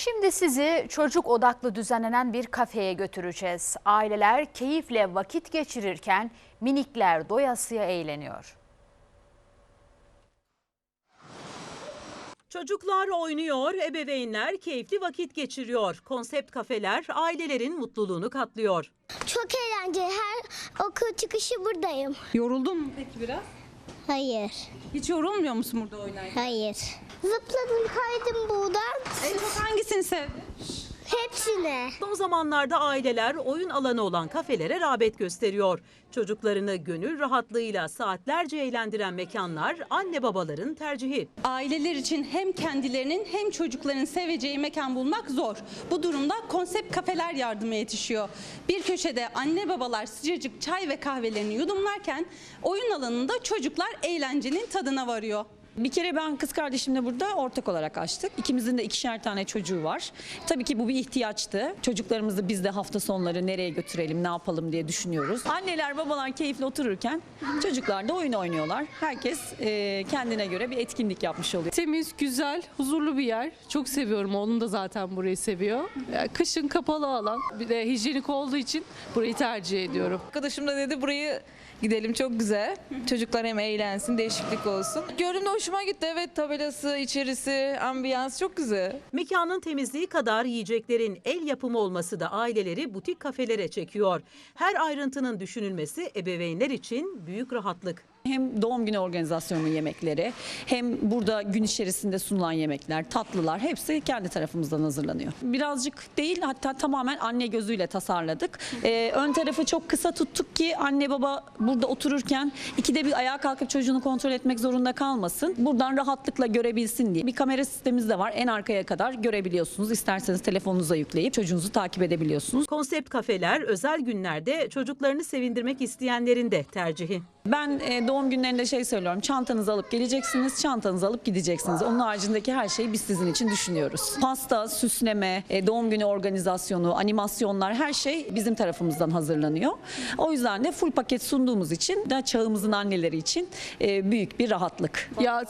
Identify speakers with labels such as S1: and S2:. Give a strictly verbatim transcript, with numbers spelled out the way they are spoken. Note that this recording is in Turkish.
S1: Şimdi sizi çocuk odaklı düzenlenen bir kafeye götüreceğiz. Aileler keyifle vakit geçirirken minikler doyasıya eğleniyor.
S2: Çocuklar oynuyor, ebeveynler keyifli vakit geçiriyor. Konsept kafeler ailelerin mutluluğunu katlıyor.
S3: Çok eğlenceli. Her okul çıkışı buradayım.
S4: Yoruldun mu peki biraz?
S3: Hayır.
S4: Hiç yorulmuyor musun burada oynarken?
S3: Hayır. Zıpladım, kaydım buradan.
S4: En çok hangisini sevdin?
S3: Hepsine.
S2: Son zamanlarda aileler oyun alanı olan kafelere rağbet gösteriyor. Çocuklarını gönül rahatlığıyla saatlerce eğlendiren mekanlar anne babaların tercihi.
S4: Aileler için hem kendilerinin hem çocukların seveceği mekan bulmak zor. Bu durumda konsept kafeler yardıma yetişiyor. Bir köşede anne babalar sıcacık çay ve kahvelerini yudumlarken oyun alanında çocuklar eğlencenin tadına varıyor.
S5: Bir kere ben kız kardeşimle burada ortak olarak açtık. İkimizin de ikişer tane çocuğu var. Tabii ki bu bir ihtiyaçtı. Çocuklarımızı biz de hafta sonları nereye götürelim, ne yapalım diye düşünüyoruz. Anneler, babalar keyifli otururken çocuklar da oyun oynuyorlar. Herkes e, kendine göre bir etkinlik yapmış oluyor.
S6: Temiz, güzel, huzurlu bir yer. Çok seviyorum. Oğlum da zaten burayı seviyor. Yani kışın kapalı alan. Bir de hijyenik olduğu için burayı tercih ediyorum.
S7: Arkadaşım da dedi burayı gidelim, çok güzel. Çocuklar hem eğlensin, değişiklik olsun. Gördüğümde hoşuma gitti. Evet, tabelası, içerisi, ambiyans çok güzel.
S2: Mekanın temizliği kadar yiyeceklerin el yapımı olması da aileleri butik kafelere çekiyor. Her ayrıntının düşünülmesi ebeveynler için büyük rahatlık.
S5: Hem doğum günü organizasyonu yemekleri, hem burada gün içerisinde sunulan yemekler, tatlılar hepsi kendi tarafımızdan hazırlanıyor. Birazcık değil, hatta tamamen anne gözüyle tasarladık. Ee, ön tarafı çok kısa tuttuk ki anne baba burada otururken ikide bir ayağa kalkıp çocuğunu kontrol etmek zorunda kalmasın. Buradan rahatlıkla görebilsin diye. Bir kamera sistemimiz de var. En arkaya kadar görebiliyorsunuz. İsterseniz telefonunuza yükleyip çocuğunuzu takip edebiliyorsunuz.
S2: Konsept kafeler özel günlerde çocuklarını sevindirmek isteyenlerin de tercihi.
S5: Ben e, doğum günlerinde şey söylüyorum. Çantanızı alıp geleceksiniz, çantanızı alıp gideceksiniz. Onun haricindeki her şeyi biz sizin için düşünüyoruz. Pasta, süsleme, e, doğum günü organizasyonu, animasyonlar, her şey bizim tarafımızdan hazırlanıyor. O yüzden de full paket sunduğumuz için de çağımızın anneleri için e, büyük bir rahatlık.
S6: Ya